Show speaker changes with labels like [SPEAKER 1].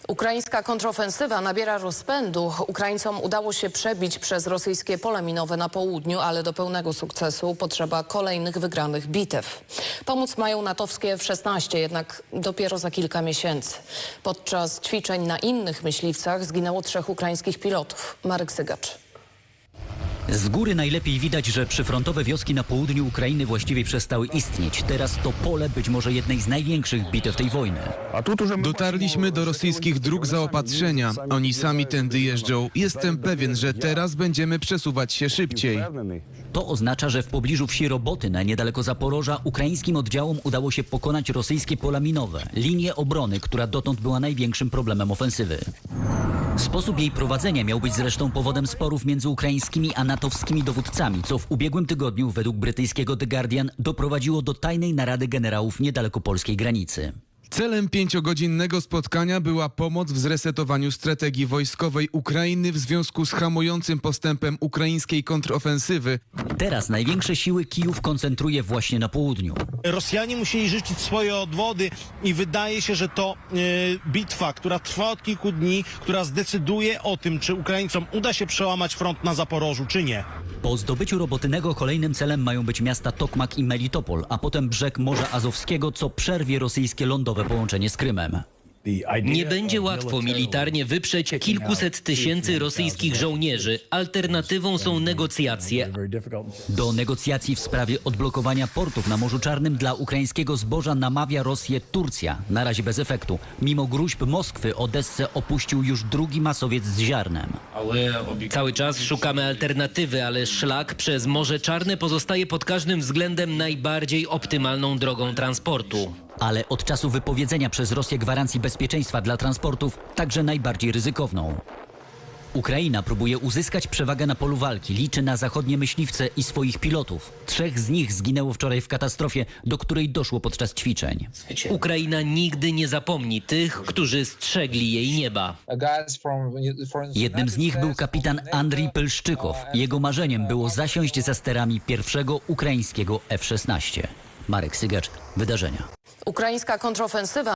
[SPEAKER 1] Ukraińska kontrofensywa nabiera rozpędu. Ukraińcom udało się przebić przez rosyjskie pole minowe na południu, ale do pełnego sukcesu potrzeba kolejnych wygranych bitew. Pomóc mają natowskie F-16, jednak dopiero za kilka miesięcy. Podczas ćwiczeń na innych myśliwcach zginęło 3 ukraińskich pilotów. Marek Sygacz.
[SPEAKER 2] Z góry najlepiej widać, że przyfrontowe wioski na południu Ukrainy właściwie przestały istnieć. Teraz to pole być może jednej z największych bitew tej wojny.
[SPEAKER 3] Dotarliśmy do rosyjskich dróg zaopatrzenia. Oni sami tędy jeżdżą. Jestem pewien, że teraz będziemy przesuwać się szybciej.
[SPEAKER 2] To oznacza, że w pobliżu wsi Robotyne, niedaleko Zaporoża, ukraińskim oddziałom udało się pokonać rosyjskie pola minowe, linię obrony, która dotąd była największym problemem ofensywy. Sposób jej prowadzenia miał być zresztą powodem sporów między ukraińskimi a natowskimi dowódcami, co w ubiegłym tygodniu według brytyjskiego The Guardian doprowadziło do tajnej narady generałów niedaleko polskiej granicy.
[SPEAKER 3] Celem 5-godzinnego spotkania była pomoc w zresetowaniu strategii wojskowej Ukrainy w związku z hamującym postępem ukraińskiej kontrofensywy.
[SPEAKER 2] Teraz największe siły Kijów koncentruje właśnie na południu.
[SPEAKER 4] Rosjanie musieli życzyć swoje odwody i wydaje się, że to bitwa, która trwa od kilku dni, która zdecyduje o tym, czy Ukraińcom uda się przełamać front na Zaporożu, czy nie.
[SPEAKER 2] Po zdobyciu Robotynego kolejnym celem mają być miasta Tokmak i Melitopol, a potem brzeg Morza Azowskiego, co przerwie rosyjskie lądowe połączenie z Krymem.
[SPEAKER 5] Nie będzie łatwo militarnie wyprzeć kilkuset tysięcy rosyjskich żołnierzy. Alternatywą są negocjacje.
[SPEAKER 2] Do negocjacji w sprawie odblokowania portów na Morzu Czarnym dla ukraińskiego zboża namawia Rosję Turcja. Na razie bez efektu. Mimo gróźb Moskwy Odessę opuścił już drugi masowiec z ziarnem.
[SPEAKER 5] Cały czas szukamy alternatywy, ale szlak przez Morze Czarne pozostaje pod każdym względem najbardziej optymalną drogą transportu.
[SPEAKER 2] Ale od czasu wypowiedzenia przez Rosję gwarancji bezpieczeństwa dla transportów także najbardziej ryzykowną. Ukraina próbuje uzyskać przewagę na polu walki, liczy na zachodnie myśliwce i swoich pilotów. 3 z nich zginęło wczoraj w katastrofie, do której doszło podczas ćwiczeń.
[SPEAKER 5] Ukraina nigdy nie zapomni tych, którzy strzegli jej nieba.
[SPEAKER 2] Jednym z nich był kapitan Andrii Pylszczykow. Jego marzeniem było zasiąść za sterami pierwszego ukraińskiego F-16. Marek Sygacz, Wydarzenia.
[SPEAKER 1] Ukraińska kontrofensywa